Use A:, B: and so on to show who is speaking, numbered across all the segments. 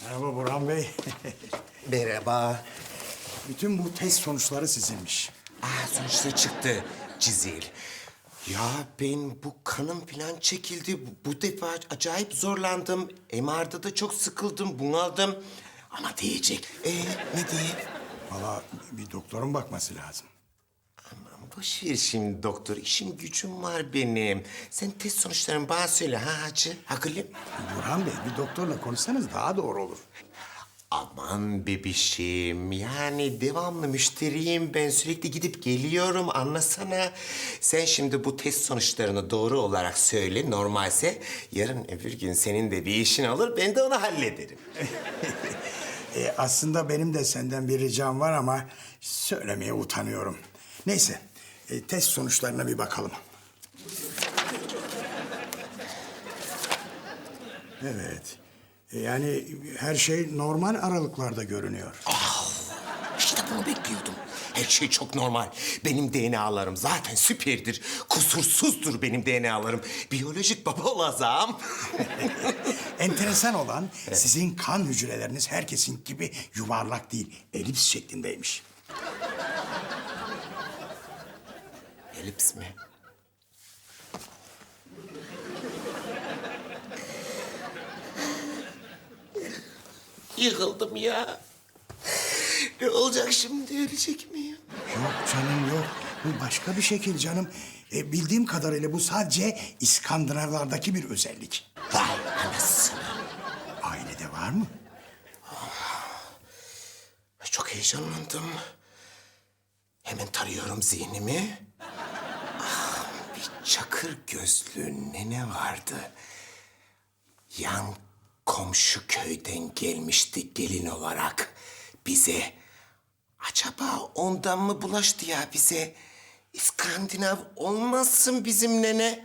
A: Merhaba Burhan Bey.
B: Merhaba.
A: Bütün bu test sonuçları sizinmiş.
B: Sonuçta çıktı Cizil. Ya ben bu kanım falan çekildi. Bu defa acayip zorlandım. MR'da da çok sıkıldım, bunaldım. Ama diyecek. Ne diyeyim?
A: Valla bir doktorun bakması lazım.
B: Aman boş ver şimdi doktor. İşim gücüm var benim. Sen test sonuçlarını bana söyle ha hacı. Hakikaten.
A: Burhan Bey bir doktorla konuşsanız daha doğru olur.
B: Aman bebişim, yani devamlı müşteriyim ben, sürekli gidip geliyorum, anlasana. Sen şimdi bu test sonuçlarını doğru olarak söyle, normalse yarın öbür gün senin de bir işin olur, ben de onu hallederim.
A: Aslında benim de senden bir ricam var ama söylemeye utanıyorum. Neyse, test sonuçlarına bir bakalım. Evet, yani her şey normal aralıklarda görünüyor.
B: İşte bunu bekliyordum. Her şey çok normal. Benim DNA'larım zaten süperdir. Kusursuzdur benim DNA'larım. Biyolojik baba olacağım.
A: Enteresan olan sizin kan hücreleriniz herkesin gibi yuvarlak değil, elips şeklindeymiş.
B: Elips mi? Yıkıldım ya. Ne olacak şimdi, ölecek miyim?
A: Yok canım yok. Bu başka bir şekil canım. Bildiğim kadarıyla bu sadece İskandinavlardaki bir özellik.
B: Vay anasını.
A: Ailede var mı?
B: Çok heyecanlandım. Hemen tarıyorum zihnimi. Bir çakır gözlü nene vardı. Yan komşu köyden gelmişti gelin olarak bize. Acaba ondan mı bulaştı ya bize? İskandinav olmasın bizim nene.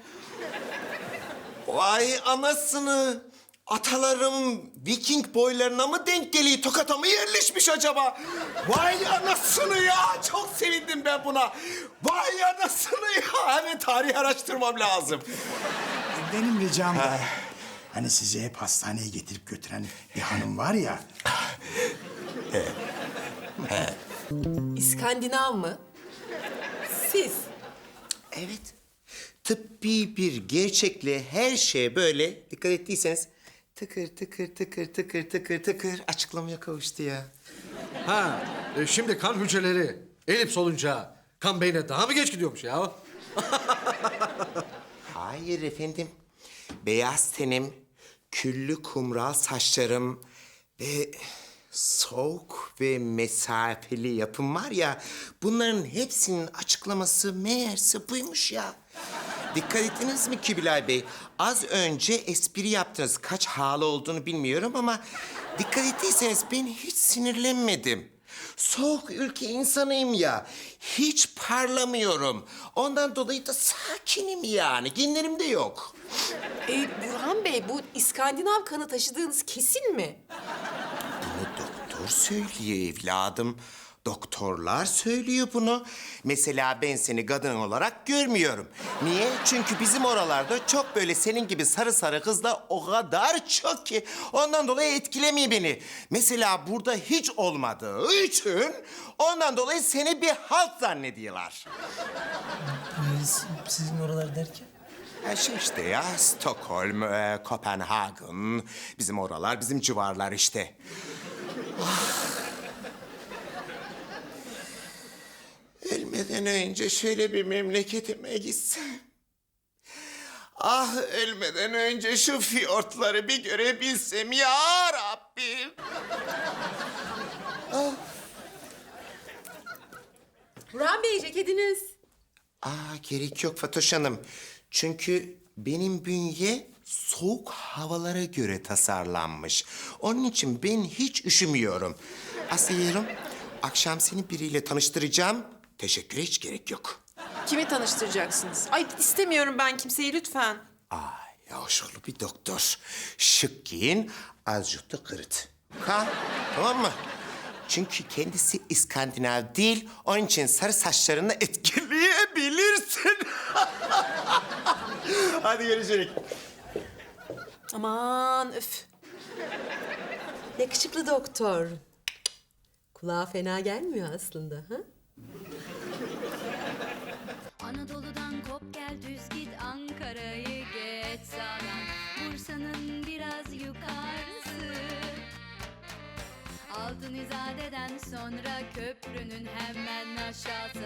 B: Vay anasını. Atalarım Viking boylarına mı denk geliyor? Tokat'a mı yerleşmiş acaba? Vay anasını ya! Çok sevindim ben buna. Vay anasını ya! Hemen tarih araştırmam lazım.
A: Benim ricam da... Hani sizi hep hastaneye getirip götüren bir hanım var ya...
C: İskandinav mı? Siz.
B: Evet. Tıbbi bir gerçekle her şey böyle, dikkat ettiyseniz tıkır tıkır tıkır tıkır tıkır tıkır açıklamaya kavuştu ya.
D: Şimdi kan hücreleri elips olunca kan beyne daha mı geç gidiyormuş ya?
B: Hayır efendim. Beyaz tenim, küllü kumral saçlarım ve soğuk ve mesafeli yapım var ya... bunların hepsinin açıklaması meğerse buymuş ya. Dikkat ettiniz mi Kubilay Bey? Az önce espri yaptınız. Kaç halı olduğunu bilmiyorum ama... dikkat ettiyseniz ben hiç sinirlenmedim. Soğuk ülke insanıyım ya. Hiç parlamıyorum. Ondan dolayı da sakinim yani. Genlerim de yok.
C: Burhan Bey, bu İskandinav kanı taşıdığınız kesin mi?
B: Bunu doktor söylüyor evladım. Doktorlar söylüyor bunu. Mesela ben seni kadın olarak görmüyorum. Niye? Çünkü bizim oralarda çok böyle senin gibi sarı sarı kızlar o kadar çok ki... ondan dolayı etkilemiyor beni. Mesela burada hiç olmadığı için... ondan dolayı seni bir halt zannediyorlar.
E: Sizin oralar derken?
B: Şey işte ya, Stockholm, Kopenhagen... bizim oralar, bizim civarlar işte. Ölmeden önce şöyle bir memleketime gitsem. Ah, ölmeden önce şu fiyortları bir görebilsem ya Rabbim.
C: Burhan Bey, ceketiniz.
B: Gerek yok Fatoş Hanım. Çünkü benim bünye soğuk havalara göre tasarlanmış. Onun için ben hiç üşümüyorum. Aslıyorum, akşam seni biriyle tanıştıracağım. Teşekküre hiç gerek yok.
C: Kimi tanıştıracaksınız? Ay istemiyorum ben kimseyi, lütfen.
B: Yavaşoğlu bir doktor. Şık giyin, azıcık da kırıt. Ha, tamam mı? Çünkü kendisi İskandinav değil, onun için sarı saçlarını etkileyebilirsin. Hadi görüşürüz.
C: Aman öf. Yakışıklı doktor. Kulağa fena gelmiyor aslında. Ha?
E: Anadolu'dan kop gel düz git Ankara'yı geç sağdan Bursa'nın biraz yukarısı Altın İzade'den sonra köprünün hemen aşağısı